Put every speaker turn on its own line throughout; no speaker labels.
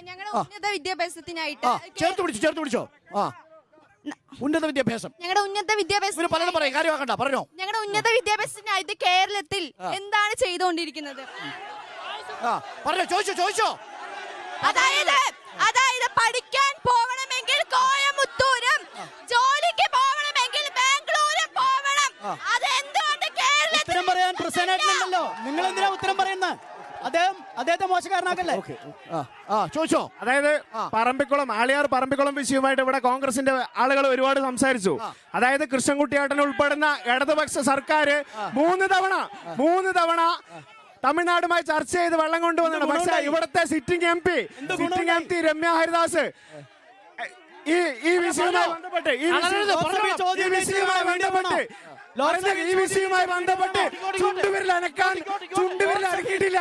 ഞങ്ങളുടെ ഉന്നത വിദ്യാഭ്യാസത്തിനായിട്ട്
ചേർത്ത് പിടിച്ചോ. ഉന്നത വിദ്യാഭ്യാസം,
ഞങ്ങളുടെ ഉന്നത വിദ്യാഭ്യാസം
പലതും പറയും, കാര്യമാക്കണ്ട, പറഞ്ഞോ.
ഞങ്ങളുടെ ഉന്നത വിദ്യാഭ്യാസത്തിനായിട്ട് കേരളത്തിൽ എന്താണ് ചെയ്തുകൊണ്ടിരിക്കുന്നത്?
പറഞ്ഞോ, ചോദിച്ചോ.
അതായത് പഠിക്കാൻ പോകണമെങ്കിൽ കോയമ്പത്തൂരും, ജോലിക്ക് പോകണമെങ്കിൽ ബാംഗ്ലൂരും പോകണം. അതെന്തുകൊണ്ട് കേരളത്തിൽ
ഉത്തരം പറയാൻ പ്രസന്നല്ലോ? നിങ്ങൾ എന്തിനാ ഉത്തരം പറയുന്നത്? അദ്ദേഹത്തെ മോശക്കാരനാക്കല്ലേ?
ചോദിച്ചോ.
അതായത് ആളിയാർ പറമ്പിക്കുളം വിഷയവുമായിട്ട് ഇവിടെ കോൺഗ്രസിന്റെ ആളുകൾ ഒരുപാട് സംസാരിച്ചു. അതായത് കൃഷ്ണൻകുട്ടിയേട്ടൻ ഉൾപ്പെടുന്ന ഇടതുപക്ഷ സർക്കാർ മൂന്ന് തവണ തമിഴ്നാടുമായി ചർച്ച ചെയ്ത് വെള്ളം കൊണ്ടുവന്നാണ്. പക്ഷേ ഇവിടുത്തെ sitting M P Ramya Haridas ഈ വിഷയവുമായി ബന്ധപ്പെട്ട് ചുണ്ടുവിരൽ അനക്കിയിട്ടില്ല.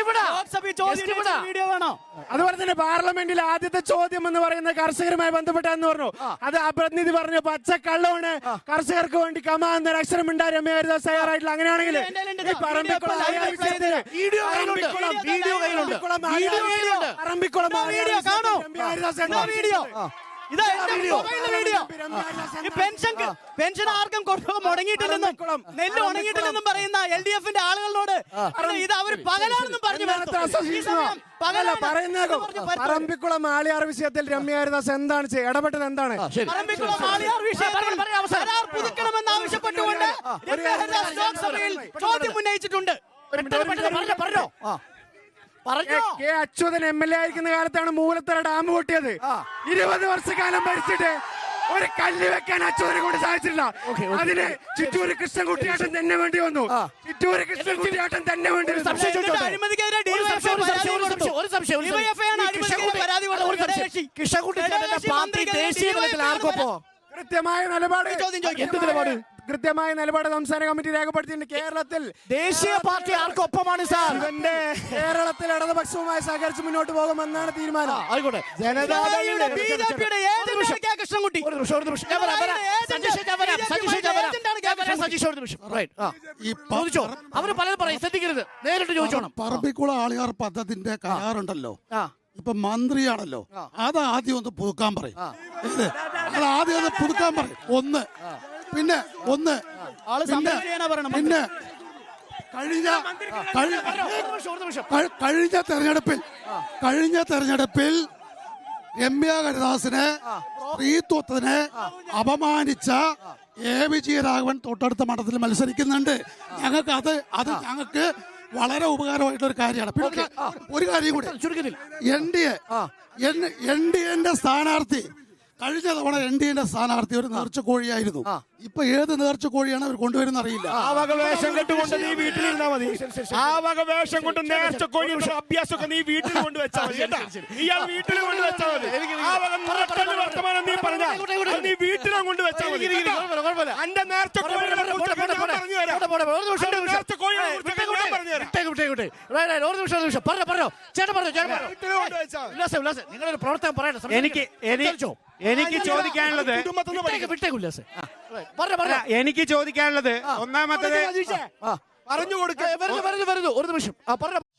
അതുപോലെ തന്നെ പാർലമെന്റിൽ ആദ്യത്തെ ചോദ്യം എന്ന് പറയുന്ന കർഷകരുമായി ബന്ധപ്പെട്ടാന്ന് പറഞ്ഞു. അത് ആ പ്രതിനിധി പറഞ്ഞു പച്ചക്കള്ളമാണ്, കർഷകർക്ക് വേണ്ടി കമാ എന്നൊരു അക്ഷരം ഉണ്ടാ രമ്യ ഹരിദാസ് തയ്യാറായിട്ടില്ല. അങ്ങനെയാണെങ്കിൽ
പെൻഷൻ ആർക്കും മുടങ്ങിയിട്ടില്ലെന്നും നെല്ല് ഉണങ്ങിയിട്ടില്ലെന്നും പറയുന്ന LDF-ന്റെ ആളുകളോട് ഇത് അവർ പകലാണെന്നും പറഞ്ഞു.
പറമ്പിക്കുളം ആളിയാർ വിഷയത്തിൽ രമ്യ ഹരിദാസ് എന്താണ് ഇടപെട്ടത്? എന്താണ്
പറമ്പിക്കുളം ആളിയാർ പുതുക്കണമെന്ന് ആവശ്യപ്പെട്ടുകൊണ്ട് രമ്യ ഹരിദാസ് ലോക്സഭയിൽ ചോദ്യം ഉന്നയിച്ചിട്ടുണ്ട്.
കെ അച്യുതൻ MLA ആയിരിക്കുന്ന കാലത്താണ് മൂലത്തറ ഡാം പൊട്ടിയത്. 20 വർഷക്കാലം ഭരിച്ചിട്ട് ഒരു കല്ല് വെക്കാൻ അച്യുതനെ കൊണ്ട് സാധിച്ചില്ല. അതിന് ചിറ്റൂര് കൃഷ്ണൻകുട്ടിയാട്ടം തന്നെ വേണ്ടി വന്നു. കൃത്യമായ നിലപാട് സംസ്ഥാന കമ്മിറ്റി രേഖപ്പെടുത്തിയിട്ടുണ്ട്. കേരളത്തിൽ
ദേശീയ പാർട്ടി ആർക്കൊപ്പമാണ് സാർ?
കേരളത്തിൽ ഇടതുപക്ഷവുമായി സഹകരിച്ച് മുന്നോട്ട് പോകുമെന്നാണ് തീരുമാനം.
ആയിക്കോട്ടെ. അവര് പലതും പറയും, ശ്രദ്ധിക്കരുത്, നേരിട്ട് ചോദിച്ചോണം.
പറമ്പിക്കുളം ആളിയാർ പദ്ധതിന്റെ കരാറുണ്ടല്ലോ, ഇപ്പൊ മന്ത്രിയാണല്ലോ, അത് ആദ്യം ഒന്ന് പുതുക്കാൻ പറയും. അത് ആദ്യം ഒന്ന് പുതുക്കാൻ പറയും. പിന്നെ കഴിഞ്ഞ തെരഞ്ഞെടുപ്പിൽ രമ്യ ഹരിദാസിനെ സ്ത്രീത്വത്തിനെ അപമാനിച്ച വിജയരാഘവൻ തൊട്ടടുത്ത മണ്ഡലത്തിൽ മത്സരിക്കുന്നുണ്ട്. ഞങ്ങൾക്ക് വളരെ ഉപകാരമായിട്ടുള്ള ഒരു കാര്യമാണ്. പിന്നെ ഒരു കാര്യം കൂടി, NDA സ്ഥാനാർത്ഥി കഴിഞ്ഞ തവണ NDA സ്ഥാനാർത്ഥി ഒരു നേർച്ചക്കോഴിയായിരുന്നു. ഇപ്പൊ ഏത് നേർച്ചക്കോഴിയാണ് അവർ കൊണ്ടുവരുന്ന അറിയില്ല.
ആ വക വേഷം കെട്ടുകൊണ്ട് നീ വീട്ടിലിരുന്നാ മതി. ആ വക വേഷം കൊണ്ട് നേർച്ചക്കോഴി അഭ്യാസമൊക്കെ നീ വീട്ടിൽ കൊണ്ടുവച്ചാൽ മതി. ഇയാൾ വീട്ടിൽ കൊണ്ടുവച്ചാൽ മതി. ആ വക വർത്തമാനം നീ പറഞ്ഞാൽ നീ വീട്ടിലും കൊണ്ടുവച്ചാൽ മതി. എന്റെ നേർച്ചക്കോഴി
നിങ്ങളൊരു പ്രവർത്തനം പറയണം.
എനിക്ക് ചോദിക്കാനുള്ളത് ഒന്നാമത്തെ
പറഞ്ഞു കൊടുക്കുക. ഒരു നിമിഷം പറഞ്ഞു.